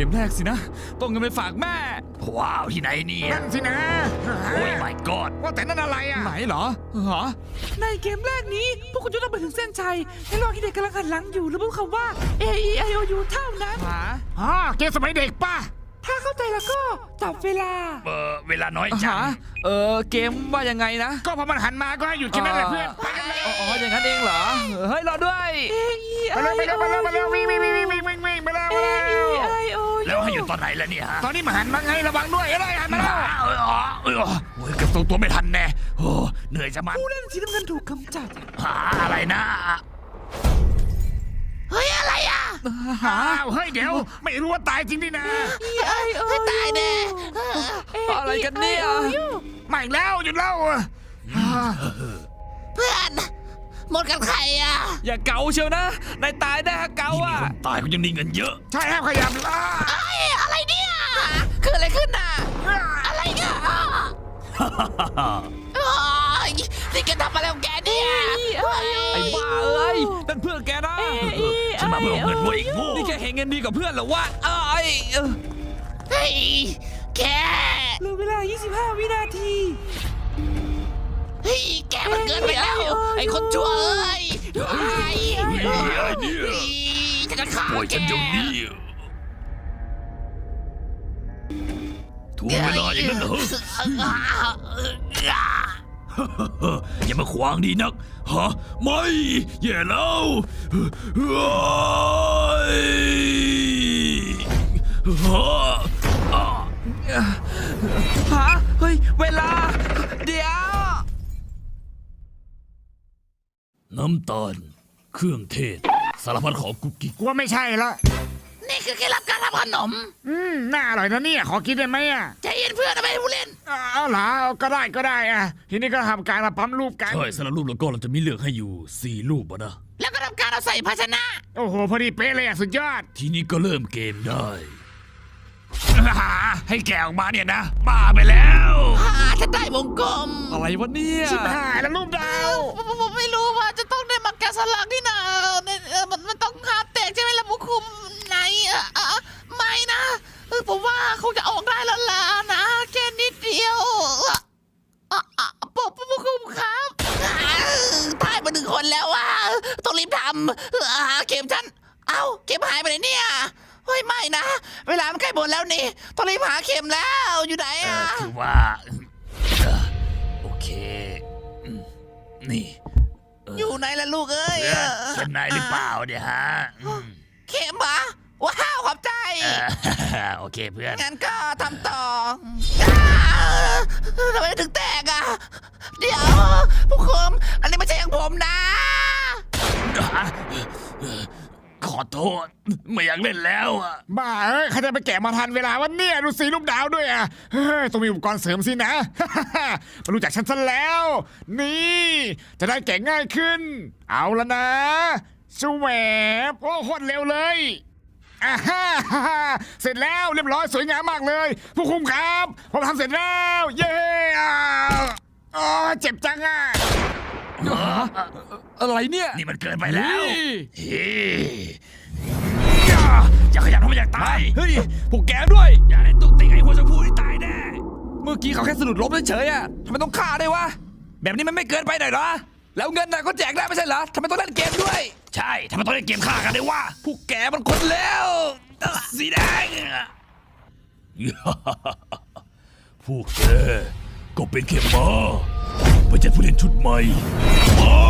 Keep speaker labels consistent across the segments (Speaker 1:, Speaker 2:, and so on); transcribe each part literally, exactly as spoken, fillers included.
Speaker 1: มแรกสินะต้องเงินไปฝากแม่ว้าวที่ไหนเนี่ย
Speaker 2: นั่นสินะ
Speaker 1: โอ้ย my god
Speaker 2: ว่าแต่นั่นอะไรอ่ะ
Speaker 1: ไหนเหรอฮะ
Speaker 3: ในเกมแรกนี้พวกคุณจะต้องไปถึงเส้นชัยในระหว่างที่เด็กกำลังหันหลังอยู่หรือพูดคำว่า A E I O U เท่านั้น
Speaker 1: หา
Speaker 2: อ๋อเกมสมัยเด็กป่ะ
Speaker 3: ถ้าเข้าใจแล้วก็จับเวลา
Speaker 1: เออเวลาน้อยจังเออเกมว่ายังไงนะ
Speaker 2: ก็พอมันหันมาก็ให้หยุดแค่นั้นแหละเพื่อนไปกันเลย
Speaker 1: อ๋ออย่างนั้นเองเหรอเฮ้ยรอด้วย
Speaker 3: A E
Speaker 2: ไปเร็ว
Speaker 3: I
Speaker 2: ไปเร็ว
Speaker 3: O
Speaker 2: ไปเร็วไปเร็ววิ่งวิ่งวิ่งวิ่งวิ่งวิ่งวิ่งไปเร็ว
Speaker 3: A
Speaker 2: ไปเร็ว
Speaker 3: E I O U
Speaker 1: แล้วให้หยุดตอนไหนล่ะเนี่ยฮะ
Speaker 2: ตอนนี้มาหันมาไงระวังด้วยอะไรหันมาแล้ว
Speaker 1: เออเออโอ้ยเกือบตรงตัวไม่ทันแน่โอ้เหนื่อยจะมัน
Speaker 3: ผู้เล่นสีน้ำเงินถูกกำจัด
Speaker 1: หาอะไรนะเฮ้ยอะไรอ่ะหา
Speaker 2: อ้าวเฮ้ยเดี๋ยวไม่รู้ว่าตายจริงดินะ
Speaker 3: E I O U
Speaker 1: ตายแน่อะไรกันเนี่ย
Speaker 2: ไม่แล้วหยุดแล้ว
Speaker 4: เพื่อนหมดกันใครอ่ะ
Speaker 1: อย่าเกาเชียวนะนายตายได้ฮะเกาอ่ะตายก็ยังมีเงินเยอะ
Speaker 2: ใช่ห้ามขยับอ่า
Speaker 4: ไอ้อะไรเนี่ยเกิดอะไรขึ้นน่ะอะไรเนี่ยนี่แกทำอะไรของแกเนี่ย
Speaker 1: ไอ้บ้าเอ้ยนั่นเพื่อนแกนะฉันมาเพื่อเงินเว้ยโง่นี่แกเห็นเงินดีกว่าเพื่อนเหรอวะเอ้ย
Speaker 4: เฮ้ยแก
Speaker 3: เหลือเวลา ยี่สิบห้า วินาที
Speaker 4: เฮ้ยแกมันเกินไปแล้วไอ้คนชั่วเอ้ยไอ้จะจะขาแก
Speaker 1: ถูกเวลาอย่างนั้นเหรออย่ามาขวางดีนักฮะไม่แย่แล้วฮะเฮ้ยเวลาเดี๋ยวน้ำตาลเครื่องเทศสารพัดของกุ๊กกิ๊ก
Speaker 2: กลัวไม่ใช่ละ
Speaker 4: นี่คือเคล็ดลับการทำขนม
Speaker 2: อืมน่าอร่อยนะเนี่ยขอกินได้ไหมอ่ะ
Speaker 4: ใจเย็นเพื่อนนะไม่ผู้เล่น
Speaker 2: เอาเหรอก็ได้ก็ได้อ่ะทีนี้ก็ทำการมาปั๊มรูปกัน
Speaker 1: ใช่สารรูปแล้วก็เราจะมีเลือกให้อยู่สี่รูปอะนะ
Speaker 4: แล้วก็ทำการเอาใส่ภาชนะ
Speaker 2: โอ้โหพอดีเป๊ะเลยอ่ะสุดยอด
Speaker 1: ทีนี้ก็เริ่มเกมได้ให้แกออกมาเนี่ยนะบ้าไปแล้ว
Speaker 4: อ่าฉันได้วงกลม
Speaker 1: อะไรวะเนี่ย
Speaker 2: ชิบหายแล้วรูปดาว
Speaker 4: ผมผมไม่รู้ว่าจะต้องได้มาแกะสลักที่ไหนเนี่ยเออมันมันต้องหาแตกใช่ไหมล่ะผู้คุมไหนเออเออไม่นะเออผมว่าคงจะออกได้แล้วล่ะนะแค่นิดเดียวอ่ะอ่ะปกผู้คุมครับอ่าตายมาหนึ่งคนแล้วว่ะต้องรีบทำอ่าเข็มฉันเอ้าเข็มหายไปไหนเนี่ยเฮ้ยไม่นะเวลามันใกล้หมดแล้วนี่ต้องรีบหาเข็มแล้วอยู่ไหน
Speaker 1: เอ
Speaker 4: อ่ะ
Speaker 1: อคือว่าโอเคนี่
Speaker 4: อยู่ไหนล่ะลูกเอ้ย
Speaker 1: เพื่อนเป็นนายหรือเปล่าเนี่ยฮะ
Speaker 4: เข็มเหรอว้าวขอบใจ
Speaker 1: โอเคเพื่อน
Speaker 4: งั้นก็ทำต่ออ้าวทำไมถึงแตกอ่ะ เดี๋ยวผู้คุมอันนี้ไม่ใช่ของผมนะ
Speaker 1: ขอโทษไม่อยากเล่นแล้วอ่ะ
Speaker 2: บ้าเอ้ยใครจะไปแกะมาทันเวลาวันเนี่ยดูสีรูปดาวด้วยอ่ะเฮ้ยต้องมีอุปกรณ์เสริมสินะ มารู้จักฉันซะแล้ว นี่จะได้แกะง่ายขึ้น เอาละนะสวบโอ้โคตรเร็วเลยอ่าฮ่าเสร็จแล้วเรียบร้อยสวยงามมากเลย ผู้คุมครับผมทำเสร็จแล้วเย้อ้าวอ๋อเจ็บจังอ่ะ
Speaker 1: อะไรเนี่ยนี่มันเกินไปแล้ว
Speaker 2: เฮ้
Speaker 1: อย่าขยันทำไมอยากตายเฮ้ยพวกแกด้วยอย่าได้ตุกติงไอ้หัวชมพูที่ตายแน่เมื่อกี้เขาแค่สะดุดล้มเฉยๆอ่ะทำไมต้องฆ่าด้วยวะแบบนี้มันไม่เกินไปหน่อยเหรอแล้วเงินน่ะก็แจกได้ไม่ใช่เหรอทำไมต้องเล่นเกมด้วยใช่ทำไมต้องเล่นเกมฆ่ากันด้วยวะพวกแกมันคนแล้วสีแดงพวกแกก็เป็นแค่ม้าไม่ใช่ผู้เล่นชุดใหม่ม้า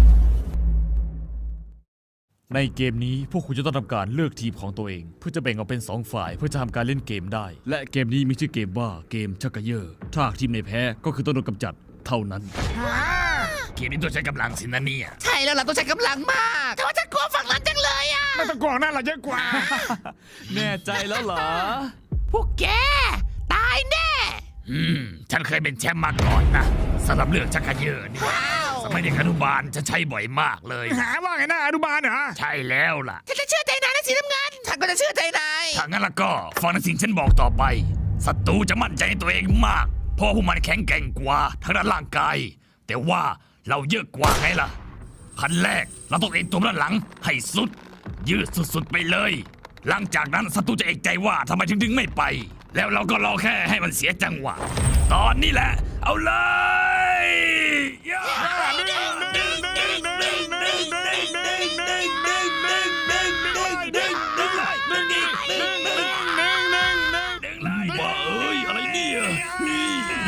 Speaker 1: ในเกมนี้พวกคุณจะต้องทำการเลือกทีมของตัวเองเพื่อจะแบ่งออกเป็นสองฝ่ายเพื่อจะทำการเล่นเกมได้และเกมนี้มีชื่อเกมว่าเกมชักกะเยอร์ถ้าทีมไหนแพ้ก็คือต้องโดนกำจัดเท่านั้นเกมนี้ต้องใช้กำลังสินะเนี่ย
Speaker 4: ใช่แล้วเราต้องใช้กำลังมาก แต่ว่าฉันกลัวฝั่งนั้นจังเลยอ่ะ
Speaker 2: ไม่ต้องกลัวหน้าเราเยอะกว่า
Speaker 1: แน่ใจแล้วเหรอ
Speaker 4: พวกแกตายแน่
Speaker 1: อืมฉันเคยเป็นแชมป์มาก่อนนะสำหรับเรื่องชักกะเยอร์นี่
Speaker 4: ว้าว
Speaker 1: สมัยเด็กอนุบาลฉันใช้บ่อยมากเลย
Speaker 2: หาว่าไงหน้าอนุบาลเหรอ
Speaker 1: ใช่แล้วล่ะ
Speaker 4: ฉันจะเชื่อใจนายนะสีน้ำเงินฉันก็จะเชื่อใจนาย
Speaker 1: ถ้างั้นแล้วก็ฟังในสิ่งฉันบอกต่อไปศัตรูจะมั่นใจในตัวเองมากเพราะพวกมันแข็งแกร่งกว่าทางด้านร่างกายแต่ว่าเราเยอะกว่าไงล่ะขั้นแรกเราต้องเอ็นตัวด้านหลังให้สุดยืดสุดๆไปเลยหลังจากนั้นศัตรูจะเอกใจว่าทำไมถึงดึงไม่ไป แล้วเราก็รอแค่ให้มันเสียจังหวะ ตอนนี้แหละ เอาเลยย่าดึงดึงดึงดึงดึงดึงดึงดึงดึงดึงดึงดึงดึงดึงดึงดึงอีกดึงดึงดึงดึงดึงดึงเลยว้าเอ้ยอะไรเนี่ยนี่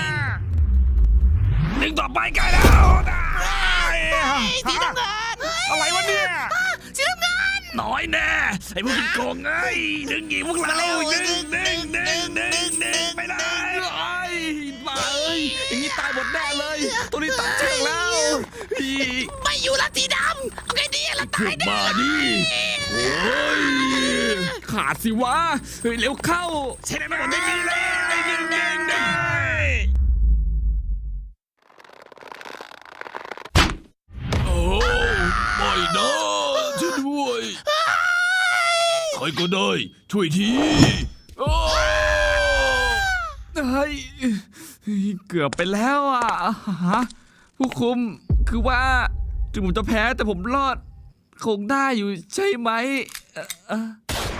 Speaker 1: ดึงต่อไปใกล้แล้ว
Speaker 4: สีน้ำเงิน
Speaker 2: อะไรวะเนี่ย
Speaker 4: สีน้ำเงิน
Speaker 1: น้อยแน่ไอ้พวกกินโกงไงดึงอีกพวกเราดึงดึงดึงดึงดึงไปเลยไอ้บ้าเอ้ยอย่างนี้ตายหมดแน่เลยตัวนี้ตัดเชือกแล้วอี
Speaker 4: ไม่อยู่ละสีดำเอาไงดีละ
Speaker 1: ขึ้
Speaker 4: ตาย
Speaker 1: น
Speaker 4: แน่
Speaker 1: มาดิโอ้ยขาดสิวะเฮ้ยเร็วเข้าใช่ไหมมันไม่มีเลยดึงดึงดึงโอ้ไม่นะช่วยด้วยใครก็ได้ช่วยทีโอ้เฮ้ยเกือบไปแล้วอ่ะฮะผู้คุมคือว่าถึงผมจะแพ้แต่ผมรอดคงได้อยู่ใช่ไหมเอ่อเอ่อ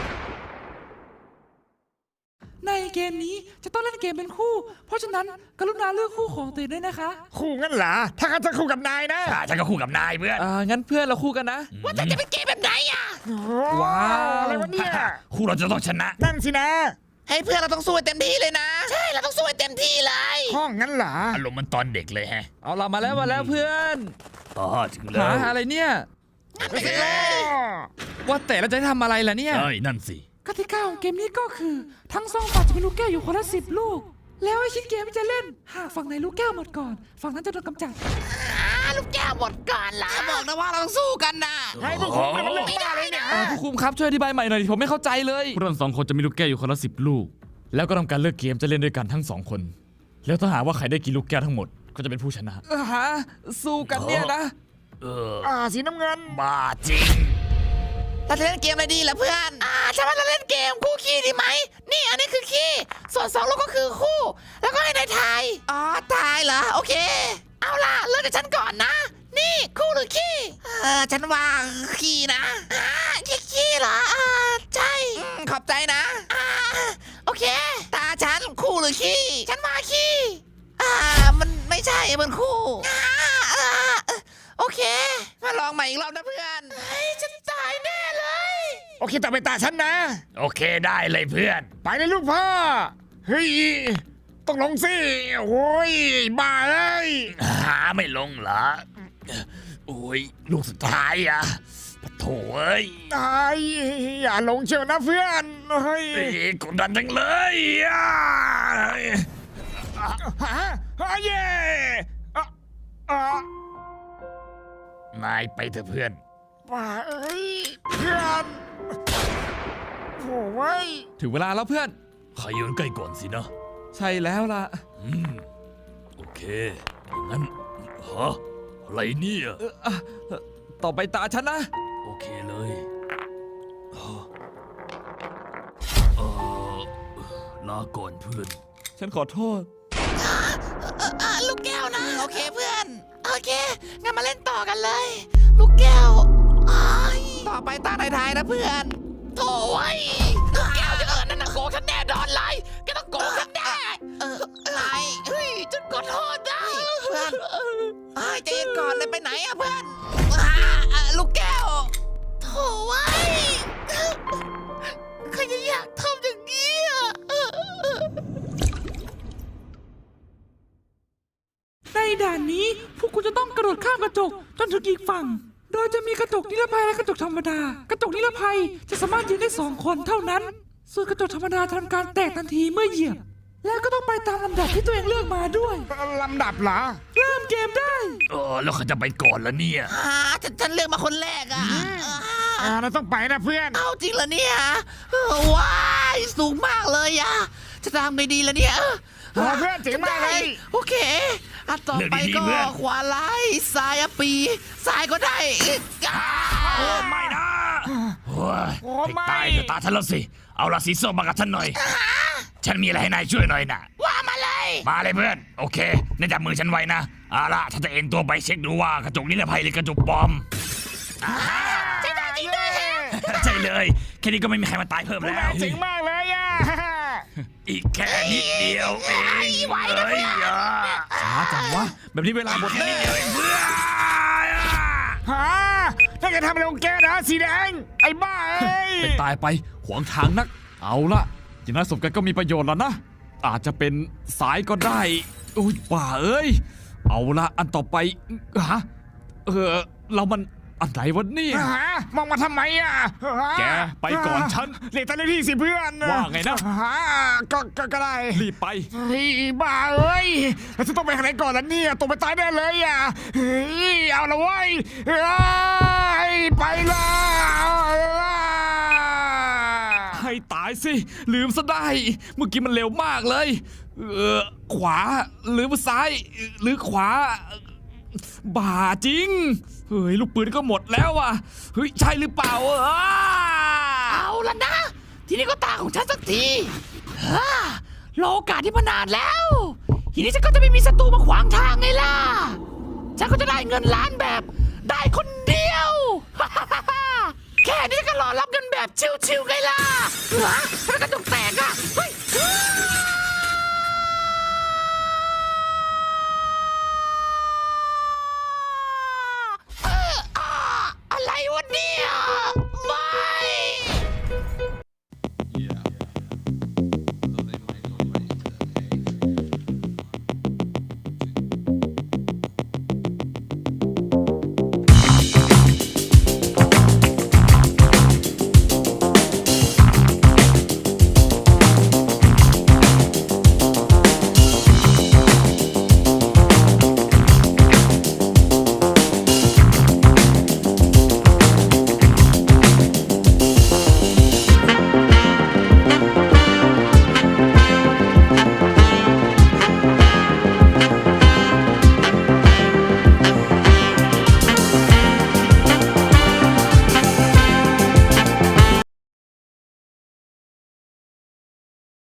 Speaker 3: ในเกมนี้จะต้องเล่นเกมเป็นคู่ เพราะฉะนั้นกรุณาเลือกคู่ของตัวเองด้วยนะคะ
Speaker 2: คู่งั้นเหรอ ถ้างั้นจะคู่กับนายนะ
Speaker 1: อ่าฉันก็คู่กับนายเพื่อน
Speaker 3: อ่างั้นเพื่อนเราคู่กันนะ
Speaker 4: ว่าแต่จะเป็นเกมแบบไหนอ่ะ
Speaker 3: ว้าว
Speaker 2: อะไรวะเนี่ย
Speaker 1: คู่เราจะต้องชนะ
Speaker 2: นั่นสินะ
Speaker 4: ให้เพื่อนเราต้องสู้ให้เต็มที่เลยนะ ใช่เราต้องสู้ให้เต็มที่เลย
Speaker 2: ห้องงั้นเหรอ
Speaker 1: อารมณ์มันตอนเด็กเลยแฮะ
Speaker 3: เอาเรามาแล้วมาแล้วเพื่อน
Speaker 1: อ๋อถึงแล้
Speaker 3: หาว อะไรเนี่ย
Speaker 4: ไปกันเลย
Speaker 3: ว่าแต่เราจะทำอะไรล่ะเนี่ย
Speaker 1: เอ้ยนั่นสิ
Speaker 3: กติกาของเกมนี้ก็คือ ทั้งสองฝ่ายจะมีลูกแก้วอยู่คนละสิบลูก แล้วให้คิดเกมที่จะเล่น หากฝั่งไหนลูกแก้วหมดก่อน ฝั่งนั้นจะโดนกำจัด
Speaker 4: อ่าลูกแก้วหมดก่อนละบอกนะว่าเราต้องสู้กันนะ
Speaker 2: ให้พวกคุณเป็นเรื่องบ้าเลยเนี่ย
Speaker 3: อ่าผู้คุมครับช่วยอธิบายใหม่หน่อยดิผมไม่เข้าใจเลย
Speaker 5: พวกเราสองคนจะมีลูกแก้วอยู่คนละสิบลูก แล้วก็ทำการเลือกเกมจะเล่นด้วยกันทั้งสองคน แล้วถ้าหากว่าใครได้กินลูกแก้วทั้งหมดก็จะเป็นผู้ชนะ
Speaker 3: อ่าฮะสู้กันเนี่ยนะ
Speaker 1: เออ
Speaker 2: อ่าสีน้ำเงิน
Speaker 1: บ้าจริง
Speaker 4: เราจะเล่นเกมอะไรดีล่ะเพื่อน อ่าใช่ไหมเราเล่นเกมคู่ขี้ดีไหม นี่อันนี้คือขี้ ส่วนสองลูกก็คือคู่ แล้วก็ให้นายทาย อ๋อทายเหรอ โอเค เอาล่ะเริ่มจากฉันก่อนนะ นี่คู่หรือขี้ เออฉันว่าขี้นะอ่าขี้ขี้เหรออ่าใช่อืมขอบใจนะ อ่าโอเค ตาฉันคู่หรือขี้ ฉันว่าขี้ อ่ามันไม่ใช่มันคู่อ่าอ่าโอเค มาลองใหม่อีกรอบนะเพื่อนเฮ้ยฉันตายแน่เลย
Speaker 2: โอเคต่อไปตาฉันนะ
Speaker 1: โอเคได้เลยเพื่อน
Speaker 2: ไปเลยลูกพ่อ เฮ้ย ต้องลงสิ โอ้ย บ้าเลย
Speaker 1: หาไม่ลงเหรอโอ้ยลูกสุดท้ายอ่ะปะโถเอ้ย
Speaker 2: ตายอย่าลงเชียวนะเพื่อน เฮ้ย
Speaker 1: เอ้ยกดดันจังเลยอ่ะ
Speaker 2: ฮะฮะเย่อ่ะอ่ะ
Speaker 1: นายไปเถอะเพื่อน
Speaker 2: บ้าเอ้ย เพื่อนโอ้ย
Speaker 3: ถึงเวลาแล้วเพื่อน
Speaker 1: ใครยืนใกล้ก่อนสินะ
Speaker 3: ใช่แล้วล่ะ
Speaker 1: อืมโอเคอย่างนั้นฮะอะไรเนี่ย
Speaker 3: เอออ่ะเอ่อต่อไปตาฉันนะ
Speaker 1: โอเคเลยฮะเออลาก่อนเพื่อน
Speaker 3: ฉันขอโทษ
Speaker 4: อ่าลูกแก้วนะ โอเคเพื่อน โอเค งั้นมาเล่นต่อกันเลย ลูกแก้วอ้ายต่อไปตาทายๆนะเพื่อนโถ่ไอ้ยลูกแก้วจะเอิญนั่นนะโกงฉันแน่นอนเลยแกต้องโกงฉันแน่เอออะไรเฮ้ยฉันขอโทษได้เพื่อนเฮ้ยใจเย็นก่อนเลยไปไหนอะเพื่อนอ่าอ่าลูกแก้วโถ่ไอ้ยใครจะอยากทำอย่างนี้อะ
Speaker 3: ในด่านนี้พวกคุณจะต้องกระโดดข้ามกระจกจนถึงอีกฝั่ง โดยจะมีกระจกนิรภัยและกระจกธรรมดา กระจกนิรภัยจะสามารถยืนได้สองคนเท่านั้น ส่วนกระจกธรรมดาทำการแตกทันทีเมื่อเหยียบ แล้วก็ต้องไปตามลำดับที่ตัวเองเลือกมาด้วย
Speaker 2: ลำดับเหรอ
Speaker 3: เริ่มเกมได้
Speaker 1: เออแล้วเขาจะไปก่อนแล้วเนี่ย
Speaker 4: อ่าฉันฉันเลือกมาคนแรกอ่ะ
Speaker 2: อ่าเราต้องไปนะเพื่อน
Speaker 4: เอาจริงเหรอเนี่ยเออว้ายสูงมากเลยอ่ะ จะทำไงดีล่ะเนี่ย
Speaker 2: โอ้เพื่อนเจ๋งมากเลย
Speaker 4: โอเคอันต่อไปก็ขวาไล่ซ้ายอะปีซ้ายก็ได้อ่า
Speaker 1: โอ้ไม่นะโอ้ย
Speaker 2: โอ้
Speaker 1: ให้
Speaker 2: ไม่
Speaker 1: ตายเถอะตาฉันแล้วสิ เอาละสีส้มมากับฉันหน่อย ฉันมีอะไรให้นายช่วยหน่อยนะ
Speaker 4: ว่ามาเลย
Speaker 1: มาเลยเพื่อน โอเคนายจับมือฉันไว้นะเอาล่ะฉันจะเอ็นตัวไปเช็คดูว่ากระจกนิรภัยหรือกระจกปลอม
Speaker 4: ใช่ได้จริงด้วยฮะ
Speaker 1: ใช่เลยแค่นี้ก็ไม่มีใครมาตายเพิ่มแล้ว
Speaker 2: เจ๋งมากเลยอ่ะ
Speaker 1: อีกแค่นิดเดียวเอง
Speaker 4: ไหวนะเพื่อน
Speaker 1: ช้าจังวะแบบนี้เวลาหมดแน่เพื่อน
Speaker 2: ฮะถ้าแกทำอะไรของแกนะสีแดงไอ้บ้าเอ้ย
Speaker 5: เป็นตายไปขวางทางนัก เอาละอย่างนั้นสมกันก็มีประโยชน์แล้วนะ อาจจะเป็นสายก็ได้อุ้ยป่าเอ้ย เอาละอันต่อไปฮะเออเรามันอันไหนวะเนี่ย
Speaker 2: ฮะมองมาทำไมอ่ะ
Speaker 5: แกไปก่อนฉัน
Speaker 2: เรียกตาเลที่สิเพื่อน
Speaker 5: ว่าไงนะ
Speaker 2: ฮะก็ก็ก็ได้
Speaker 5: รีบไป
Speaker 2: เฮ้ยบ้าเอ้ยแล้วจะต้องไปทางไหนก่อนล่ะเนี่ยตกไปตายแน่เลยอ่ะเฮ้ยเอาละเว้ยเฮ้ยไปละ
Speaker 5: ให้ตายสิ ลืมซะได้ เมื่อกี้มันเร็วมากเลย เออขวาหรือซ้าย หรือขวา บ้าจริง เฮ้ย ลูกปืนก็หมดแล้วอ่ะ เฮ้ย ใช่หรือเปล่าเออ
Speaker 4: เอาละนะ ทีนี้ก็ตาของฉันสักทีฮ่ารอโอกาสที่มานานแล้ว ทีนี้ฉันก็จะไม่มีศัตรูมาขวางทางไงล่ะ ฉันก็จะได้เงินล้านแบบได้คนเดียว แค่นี้ก็รอรับเงินแบบชิวๆไงล่ะฮะแล้วกระจกแตกอ่ะเฮ้ย